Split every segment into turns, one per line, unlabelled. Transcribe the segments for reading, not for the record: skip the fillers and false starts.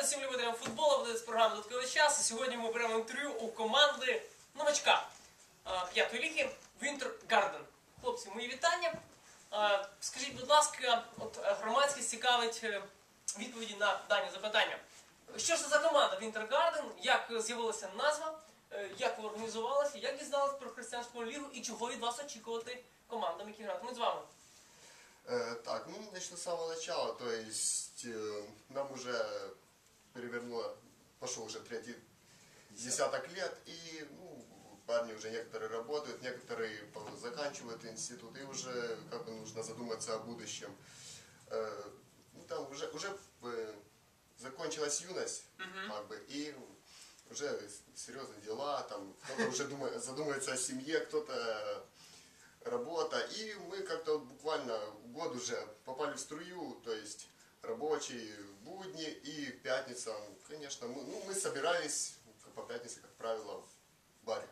всім любителям футболу, буде з програми «Додатковий час». І сьогодні ми беремо інтерв'ю у команди новачка 5-ї ліги Winter Garden. Хлопці, мої вітання. Скажіть, будь ласка, от громадськість цікавить відповіді на дані запитання. Що ж це за команда Winter Garden, як з'явилася назва, як ви організувалися, як дізналися про християнську лігу і чого від вас очікувати командам, які гратимуть з вами?
Так, ну начну с самого начала, то есть нам уже перевернуло, пошел уже третий десяток лет, и парни уже некоторые работают, некоторые заканчивают институт, и уже как бы нужно задуматься о будущем. Там уже закончилась юность, как бы, и уже серьезные дела, там кто-то уже задумывается о семье, кто-то работа, и мы как-то буквально год уже попали в струю, то есть рабочие будни и пятница, конечно, мы собирались по пятнице, как правило, в баре.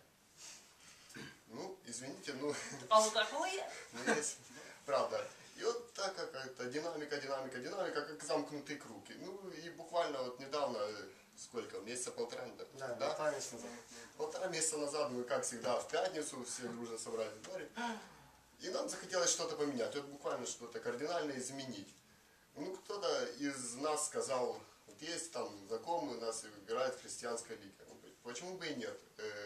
Ну, извините, есть, правда. И вот так какая-то динамика, как замкнутый круг. Ну и буквально вот недавно, сколько, месяца полтора, да? Полтора месяца назад мы, как всегда, в пятницу все дружно собрались в баре. И нам захотелось что-то поменять, вот буквально что-то кардинально изменить. Ну, кто-то из нас сказал, вот есть там знакомые у нас играют в христианской лиге. Почему бы и нет?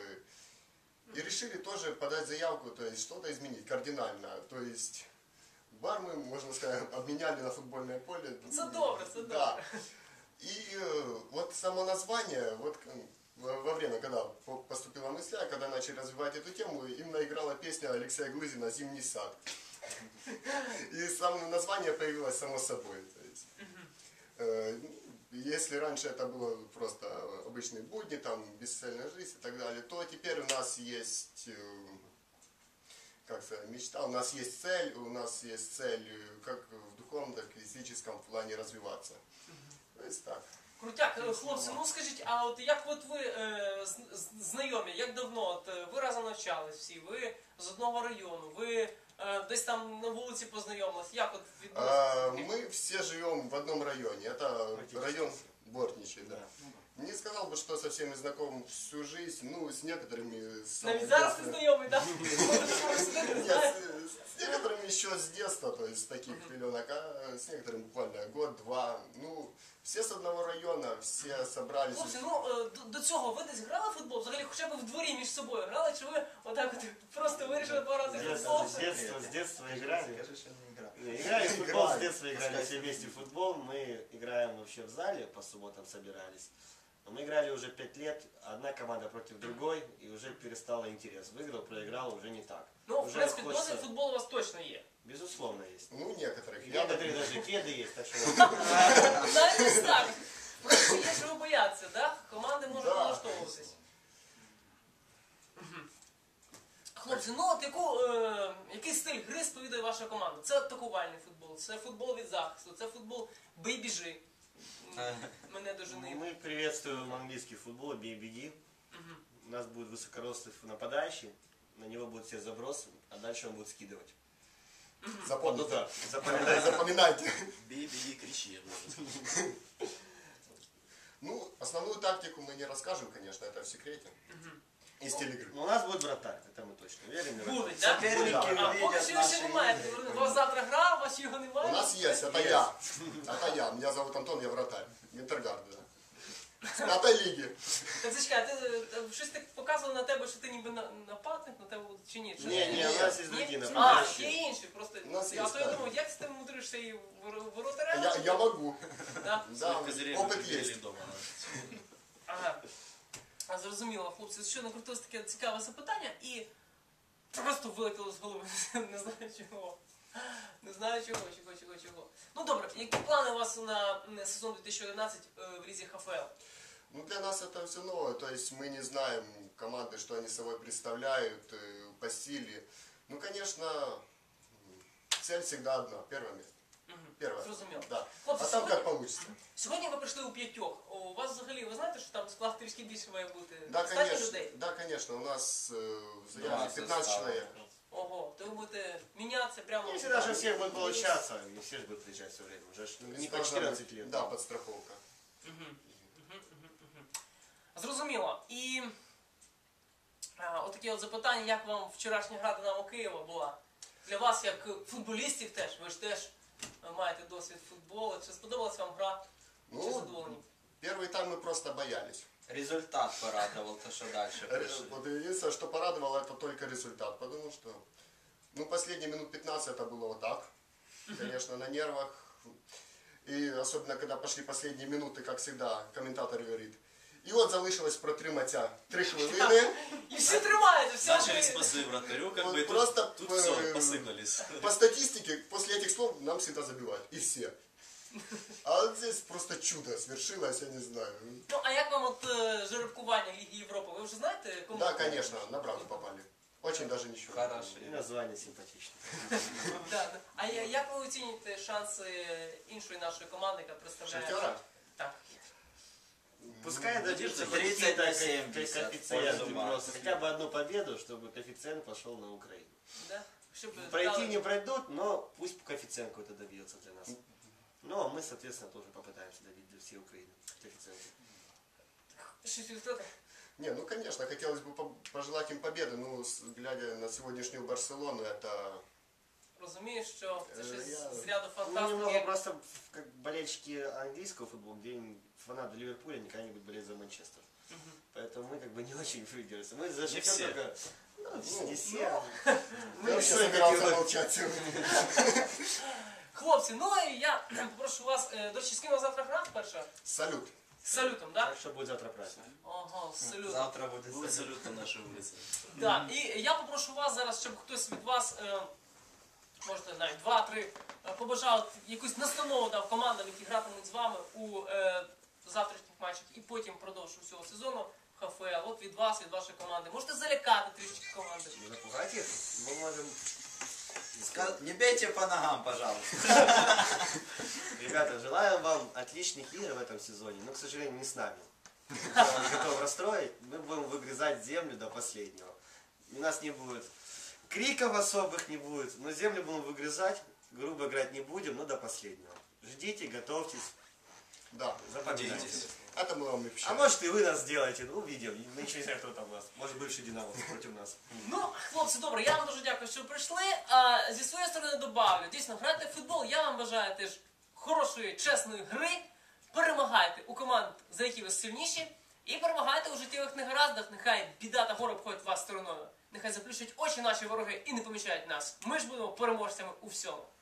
И решили тоже подать заявку, то есть что-то изменить кардинально. То есть бар мы, можно сказать, обменяли на футбольное поле.
Задобро.
Да. И вот само название, вот во время, когда поступила мысль, когда начали развивать эту тему, именно играла песня Алексея Глызина «Зимний сад». И само название появилось само собой. То есть, если раньше это было просто обычные будни, там, бесцельная жизнь и так далее, то теперь у нас есть, как сказать, мечта, у нас есть цель как в духовном, так и в физическом плане развиваться. То есть так.
Крутяк, хлопці, ну скажіть, а от як от ви знайомі, як давно, от ви разом навчались всі, ви з одного району, ви десь там на вулиці познайомились, як от відбулося?
Мы все живем в одном районе, это район Бортничий, да. Не сказал бы, что со всеми знаком всю жизнь, ну, с некоторыми...
Навіть зараз ти знайомий, так?
Нет, с некоторыми еще с детства, то есть с таких пеленок, а с некоторыми буквально год-два. Ну, все с одного района, все собрались.
Хлопці, ну, до цього ви десь грали в футбол? Взагалі, хоча б в дворі між собою грали, чи ви отак от просто вирішили пограти в футбол?
С детства играли. Играли в футбол, с детства играли все вместе в футбол. Мы играем вообще в зале, по субботам собирались. Но мы играли уже 5 лет, одна команда против другой, и уже перестало интерес. Выиграл, проиграл, уже не так.
Ну, в принципе, досвід футболу у вас точно є.
Безусловно, есть.
Ну, некоторых.
Некоторые даже кеды есть, так что...
Навіть так. Просто є чого боятися, так? Команди можуть налаштовуватись. Хлопці, ну от який стиль гри сповідує ваша команда? Це атакувальний футбол, це футбол від захисту, це футбол бий-біжи. Мене дожени.
Мы приветствуем английский футбол, бей-беги. У нас будет высокорослый нападающий, на него будут все забросы, а дальше он будет скидывать.
Запомните.
Запоминайте.
Запоминайте.
Бей, беги, кричи.
Ну, основную тактику мы не расскажем, конечно, это в секрете. Из телеигры.
У нас будет вратарь, это мы точно верим.
Будуть, так?
Соперники
А поки що ще немає. У вас завтра гра, у вас його немає?
У нас есть, это я. Это я. Меня зовут Антон, я вратарь. Винтергард, да. С 5-й лиги.
Так зачекай, ти щось так показував на тебе, що ти ніби нападник на тебе чи ні?
Не, у нас есть другие
А, є
нападающие.
інші, просто.
У нас є,
А то я
так.
думав, як ти мудришся і воротаря?
Я могу.
Да?
Да, опыт есть.
Ага. Зрозуміло, хлопці, що накрутилось таке цікаве запитання і просто вилетіло з голови, не знаю чого. Не знаю чого. Ну добре, які плани у вас на сезон 2011 в Лізі ХФЛ?
Ну, для нас это все новое, то есть мы не знаем команды, что они собой представляют по силе. Ну, конечно, цель всегда одна, первое место. Первое.
Зрозуміло.
Да.
Хлопці,
А там как получится.
Сьогодні ви прийшли у 5. У вас взагалі, ви знаєте, що там склад трішки більше має бути?
Да,
Достатньо
конечно.
людей?
Да, конечно. У нас в заявке 15 человек.
Ого, то ви будете мінятися прямо...
Если даже у всех будет получаться, не все же будут приезжать все время. Уже ж не по 14 лет.
Да, подстраховка.
Зрозуміло. І отаке от запитання, як вам вчорашня гра Динамо Києва була? Для вас, як футболістів теж, ви ж теж маєте досвід футболу. Чи сподобалась вам гра? Чи
Ну,
задоволені?
первый тайм мы просто боялись.
Результат порадовал, то что дальше пришли.
Вот единственное, что порадовало, это только результат. Потому что, ну, последние минут 15 это было вот так. Конечно, на нервах. И особенно, когда пошли последние минуты, как всегда, комментатор говорит. І от залишилось протриматися 3 хвилини.
І всі тримаються, все.
Начали спасы вратарю, как
Вот
бы
просто
тут все, посыпались.
По статистике, после этих слов нам всегда забивают. И все. А вот здесь просто чудо свершилось, я не знаю.
Ну, а як вам от жеребкування Ліги Європи? Ви вже знаєте, кому?
Да, конечно, на правду попали. Очень даже ничего.
Хорошо.
И название симпатичное.
Да. А як ви оцінюєте шанси іншої нашої команди, яка представляє?
Шахтера?
Так.
Пускай
Надежда
дадут
30 на
какие-то
70
коэффициенты
в пользу
просто.
Макса.
Хотя бы одну победу, чтобы коэффициент пошел на Украину.
Да? Щоб
Пройти
дали-
не пройдут, но пусть коэффициент какой-то добьется для нас. Ну, а мы, соответственно, тоже попытаемся добить для всей Украины коэффициенты.
Щось відкрити?
Не, ну конечно, хотелось бы пожелать им победы, но глядя на сегодняшнюю Барселону, это...
Розумію, що це щось
Я-
з ряду
Ну, немного
фантастики.
просто, как болельщики английского футбола, где фанаты Ливерпуля никогда не будут болеть за Манчестер. Поэтому мы как бы не очень выигрались. Мы за Шахтер
все.
только... Ну, не все.
Я
Мы
вообще
еще
собирался молчать сегодня.
Хлопці, ну і я попрошу вас, до речі, з ким ви завтра грати перша?
Салют.
З салютом, так?
Так что будет завтра праздник.
Ага, з салютом.
Завтра будет
Будет салют на нашей улице.
Да. І я попрошу вас зараз, щоб хтось від вас, можете навіть 2-3, побажав якусь настанову дав командам, які гратимуть з вами у завтрашніх матчах і потім впродовж усього сезону в ХФЛ. От від вас, від вашої команди. Можете залякати трішки команди.
Запугать их? Мы можем...
Не бейте по ногам, пожалуйста.
Ребята, желаем вам отличных игр в этом сезоне, но, к сожалению, не с нами. Я вас готов расстроить. Мы будем выгрызать землю до последнего. У нас не будет криков особых, не будет, но землю будем выгрызать, грубо играть не будем, но до последнего. Ждите, готовьтесь,
Да,
запоминайте.
Надейтесь.
это мы вам и
А
обещаем.
может и вы нас сделаете, ну увидим. Мы еще не знаем, кто там у нас. Может бывший динамовцы против нас.
Ну, хлопці, добре, я вам дуже дякую, що прийшли. А зі своєї сторони добавлю. Дійсно, грайте в футбол. Я вам бажаю теж хорошої, чесної гри. Перемагайте у команд, за які ви сильніші. І перемагайте у життєвих негараздах. Нехай біда та горе обходять вас стороною. Нехай заплющують очі наші вороги і не помічають нас. Ми ж будемо переможцями у всьому.